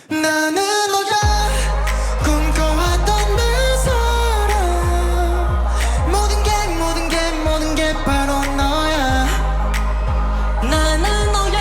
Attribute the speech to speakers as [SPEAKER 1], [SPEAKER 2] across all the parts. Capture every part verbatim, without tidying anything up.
[SPEAKER 1] 나는 너가 꿈꿔왔던 내 사랑 모든 게 모든 게 모든 게 바로 너야.
[SPEAKER 2] 나는 너야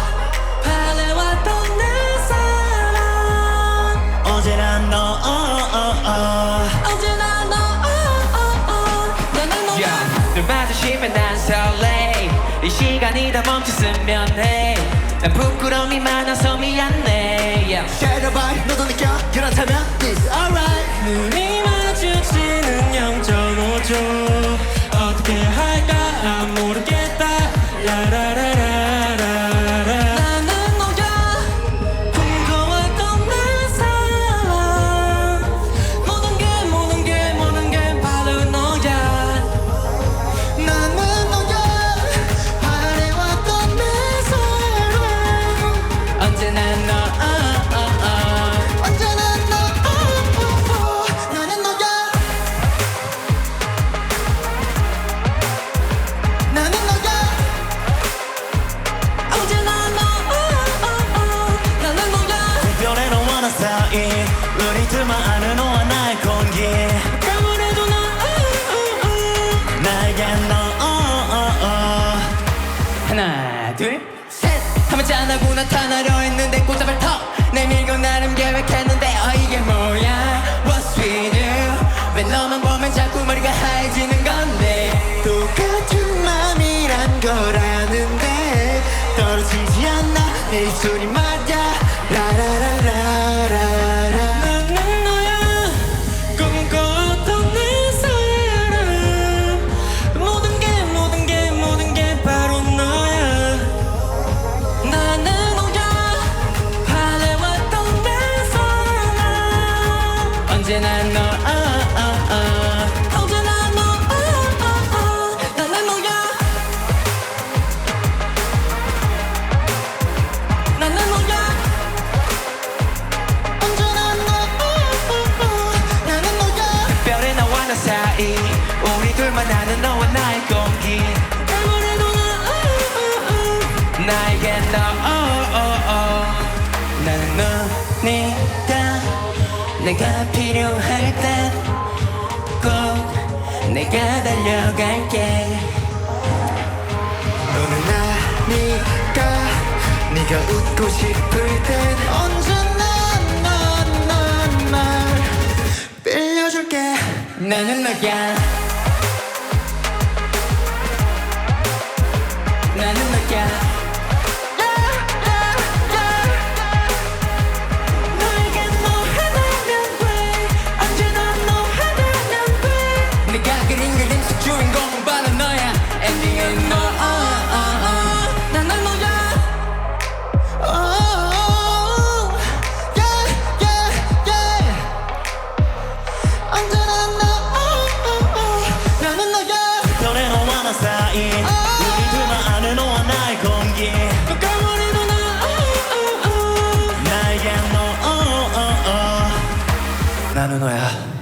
[SPEAKER 2] 바래왔던 내 사랑
[SPEAKER 1] 언제나 너 어, 어, 어.
[SPEAKER 2] 언제나 너 어, 어, 어. 나는 너야
[SPEAKER 3] 눈 마주치면 난 설레 이 시간이 다 멈췄으면 해 난 부끄러움이 많아서 미안해 yeah.
[SPEAKER 1] Share the 너도 느껴 그렇다면 It's alright.
[SPEAKER 2] 눈이 마주치는 영 점 오 초 어떻게 할까 난 모르겠다 라라라라라라 나는 너야 꿈꿔왔던 내 사랑 모든 게 모든 게 모든 게 바로 너야.
[SPEAKER 1] 나는 너가 바래왔던 내 사랑
[SPEAKER 2] 언제나 너 어, 어, 어.
[SPEAKER 1] 언제나 너 어, 어, 어. 나는 너야 나는 너야
[SPEAKER 2] 언제나 너 어, 어, 어. 나는 너야
[SPEAKER 1] 별의 너와 나 사이 우리 둘만 아는 너와 나의 공기
[SPEAKER 2] 아무래도 너 어, 어, 어.
[SPEAKER 1] 나에겐 너 어, 어, 어.
[SPEAKER 2] 하나 둘셋 하면 짠하고 나타나려 했는데 꽃잡을 턱 내밀고 나름 계획했는데 어 이게 뭐야 What's with you 왜 너만 보면 자꾸 머리가 하얘지는 건데
[SPEAKER 1] 똑같은 맘이란 걸 아는데 떨어지지 않나 내 입술이 말야 라라라라라라
[SPEAKER 2] 나는 너야 꿈꿔왔던 내 사랑 모든 게 모든 게 모든 게 바로 너야. 나는 너야 바래왔던 내 사랑 언제나 너 어, 어, 어. 언제나 너 어, 어, 어. 나는 너야 나는 너야
[SPEAKER 1] 언제나 너 어, 어, 어. 나는 너야
[SPEAKER 3] 별의 너와 나 사이 우리 둘만 아는 너와 나의 공기
[SPEAKER 2] 아무래도 나 어, 어, 어.
[SPEAKER 3] 나에겐 너 oh, oh, oh.
[SPEAKER 2] 나는 너니까 내가 필요할 땐 꼭 내가 달려갈게.
[SPEAKER 1] 너는 나니까 네가 웃고 싶을 땐 언제나 난난날 빌려줄게.
[SPEAKER 2] 나는 너야 나는 너야 너에게 너 하나면 돼 언제나 너 하나면 돼 내가 그린 그림 속 주인공은 바로 너야 엔딩은 너 어, 어, 어. 나는 너야
[SPEAKER 1] Oh, yeah, yeah, yeah. 언제나 너 oh, oh, oh. 나는 너야 별의 너와 나 사이 우리 둘만 아는 너와 나의 공기
[SPEAKER 2] 가버리도 나 어, 어, 어.
[SPEAKER 1] 나에겐 너 oh, oh, oh. 나는 너야